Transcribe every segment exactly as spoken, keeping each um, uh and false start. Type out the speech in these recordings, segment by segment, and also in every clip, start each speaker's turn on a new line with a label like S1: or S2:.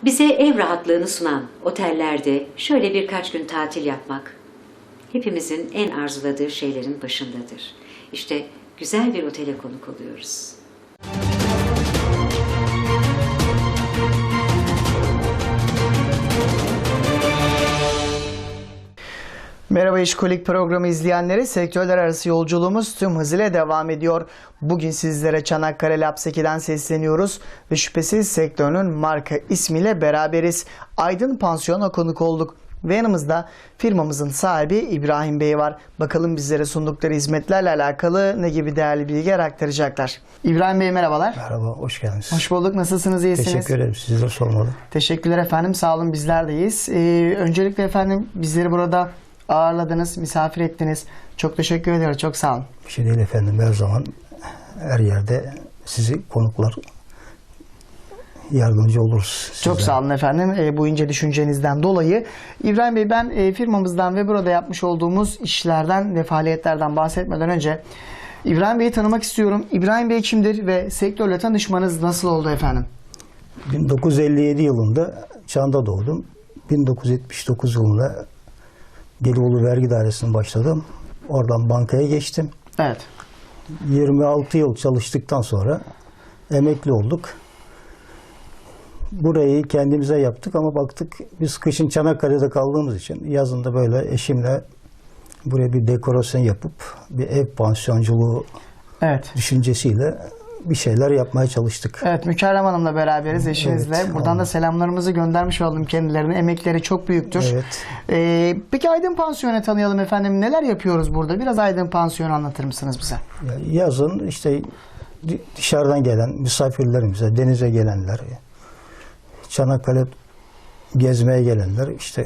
S1: Bize ev rahatlığını sunan otellerde şöyle birkaç gün tatil yapmak hepimizin en arzuladığı şeylerin başındadır. İşte güzel bir otele konuk oluyoruz.
S2: Merhaba İşkolik programı izleyenleri, sektörler arası yolculuğumuz tüm hızıyla devam ediyor. Bugün sizlere Çanakkale Lapseki'den sesleniyoruz ve şüphesiz sektörünün marka ismiyle beraberiz. Aydın Pansiyon'a konuk olduk ve yanımızda firmamızın sahibi İbrahim Bey var. Bakalım bizlere sundukları hizmetlerle alakalı ne gibi değerli bilgiler aktaracaklar. İbrahim Bey merhabalar.
S3: Merhaba, hoş geldiniz.
S2: Hoş bulduk. Nasılsınız, iyisiniz?
S3: Teşekkür ederim. Sizleri sormalı.
S2: Teşekkürler efendim. Sağ olun, bizler de iyiyiz. Ee, öncelikle efendim bizleri burada ağırladınız, misafir ettiniz. Çok teşekkür ederim. Çok sağ olun.
S3: Bir şey değil efendim. Her zaman her yerde sizi konuklar yardımcı oluruz. Sizden.
S2: Çok sağ olun efendim e, bu ince düşüncenizden dolayı. İbrahim Bey, ben e, firmamızdan ve burada yapmış olduğumuz işlerden ve faaliyetlerden bahsetmeden önce İbrahim Bey'i tanımak istiyorum. İbrahim Bey kimdir ve sektörle tanışmanız nasıl oldu efendim?
S3: bin dokuz yüz elli yedi yılında Çan'da doğdum. bin dokuz yüz yetmiş dokuz yılında Gelibolu Vergi Dairesi'ne başladım. Oradan bankaya geçtim.
S2: Evet.
S3: yirmi altı yıl çalıştıktan sonra emekli olduk. Burayı kendimize yaptık ama baktık biz kışın Çanakkale'de kaldığımız için yazın da böyle eşimle buraya bir dekorasyon yapıp bir ev pansiyonculuğu
S2: Evet.
S3: düşüncesiyle bir şeyler yapmaya çalıştık.
S2: Evet, Mükerrem Hanım'la beraberiz, eşinizle.
S3: Evet,
S2: Buradan
S3: anladım.
S2: da selamlarımızı göndermiş oldum kendilerine. Emekleri çok büyüktür.
S3: Evet.
S2: Ee, peki Aydın Pansiyon'u tanıyalım efendim. Neler yapıyoruz burada? Biraz Aydın Pansiyon'u anlatır mısınız bize?
S3: Yazın işte dışarıdan gelen misafirlerimize, denize gelenler, Çanakkale gezmeye gelenler, işte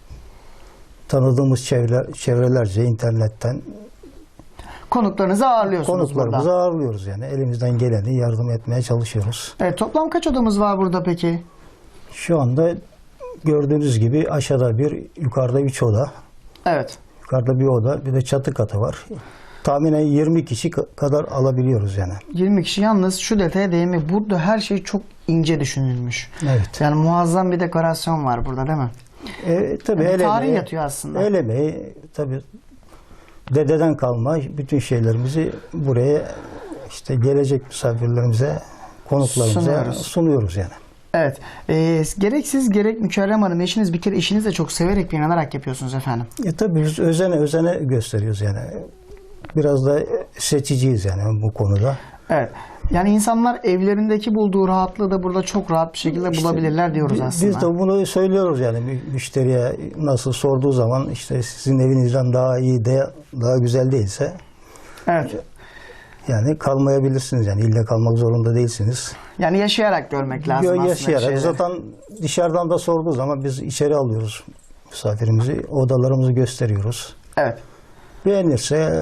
S3: tanıdığımız çevre, çevrelerce internetten
S2: Konuklarınızı ağırlıyorsunuz
S3: konuklarımızı
S2: burada.
S3: ağırlıyoruz yani. Elimizden geleni yardım etmeye çalışıyoruz.
S2: Evet, toplam kaç odamız var burada peki?
S3: Şu anda gördüğünüz gibi aşağıda bir, yukarıda üç oda.
S2: Evet.
S3: Yukarıda bir oda, bir de çatı katı var. Tahminen yirmi kişi kadar alabiliyoruz yani.
S2: yirmi kişi, yalnız şu detaya değinmek. Burada her şey çok ince düşünülmüş.
S3: Evet.
S2: Yani muazzam bir dekorasyon var burada, değil mi?
S3: E, tabii
S2: Yani
S3: el
S2: tarih
S3: emeği-
S2: yatıyor aslında.
S3: El emeği, tabii dededen kalma bütün şeylerimizi buraya işte gelecek misafirlerimize, konuklarımıza
S2: Sunuyoruz.
S3: sunuyoruz, yani.
S2: Evet. Ee, gerek siz gerek Mükerrem Hanım, eşiniz, bir kere işinizi de çok severek ve inanarak yapıyorsunuz efendim.
S3: E, tabii biz özene özene gösteriyoruz yani. Biraz da seçiciyiz yani bu konuda.
S2: Evet. Yani insanlar evlerindeki bulduğu rahatlığı da burada çok rahat bir şekilde
S3: İşte
S2: bulabilirler diyoruz
S3: bi-
S2: aslında.
S3: Biz de bunu söylüyoruz yani mü- müşteriye, nasıl sorduğu zaman işte sizin evinizden daha iyi de daha güzel değilse
S2: Evet.
S3: yani kalmayabilirsiniz, yani illa kalmak zorunda değilsiniz.
S2: Yani yaşayarak görmek lazım
S3: Yo,
S2: aslında.
S3: yaşayarak.
S2: şeyleri.
S3: Zaten dışarıdan da sorduğu zaman biz içeri alıyoruz misafirimizi, odalarımızı gösteriyoruz.
S2: Evet.
S3: Beğenirse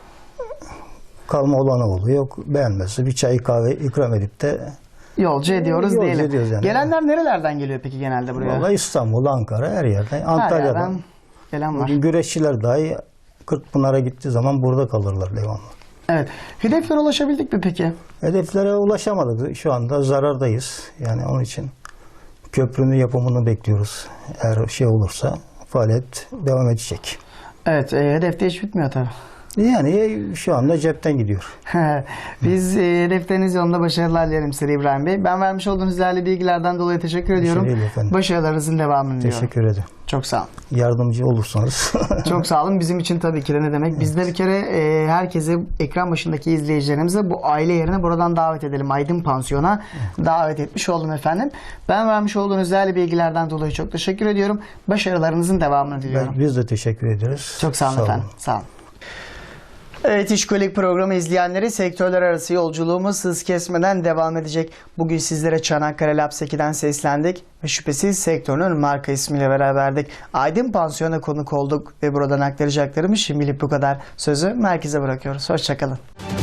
S3: kalma olanı oluyor. Yok beğenmezse bir çay kahve ikram edip de
S2: Yolcu ediyoruz
S3: Yolcu
S2: diyelim.
S3: ediyoruz yani.
S2: Gelenler nerelerden geliyor peki genelde buraya?
S3: vallahi İstanbul, Ankara, her yerden,
S2: Her
S3: Antalya'dan.
S2: yerden gelen var.
S3: Bugün güreşçiler dahi Kırkpınar'a gittiği zaman burada kalırlar devamlı.
S2: Evet. Hedeflere ulaşabildik mi peki?
S3: Hedeflere ulaşamadık. Şu anda zarardayız. Yani onun için köprünün yapımını bekliyoruz. Eğer şey olursa faaliyet devam edecek.
S2: Evet. E, hedefte hiç bitmiyor tabii.
S3: Yani şu anda cepten gidiyor.
S2: Biz e, hedefleriniz yolunda başarılar dilerim size İbrahim Bey. Ben vermiş olduğunuz değerli bilgilerden dolayı teşekkür ediyorum.
S3: değil efendim.
S2: Başarılarınızın devamını diliyorum.
S3: Teşekkür ederim.
S2: Çok sağ olun.
S3: Yardımcı olursanız.
S2: Çok sağ olun. Bizim için tabii ki de ne demek. Biz de bir kere e, herkese, ekran başındaki izleyicilerimize bu aile yerine buradan davet edelim. Aydın Pansiyon'a davet etmiş oldum efendim. Ben vermiş olduğunuz değerli bilgilerden dolayı çok teşekkür ediyorum. Başarılarınızın devamını diliyorum.
S3: Biz de teşekkür ederiz.
S2: Çok sağ olun efendim. Sağ olun. Evet, İşkolik programı izleyenleri, sektörler arası yolculuğumuz hız kesmeden devam edecek. Bugün sizlere Çanakkale Lapseki'den seslendik ve şüphesiz sektörün marka ismiyle beraberdik. Aydın Pansiyon'a konuk olduk ve buradan aktaracaklarımız şimdilik bu kadar. Sözü merkeze bırakıyoruz. Hoşçakalın.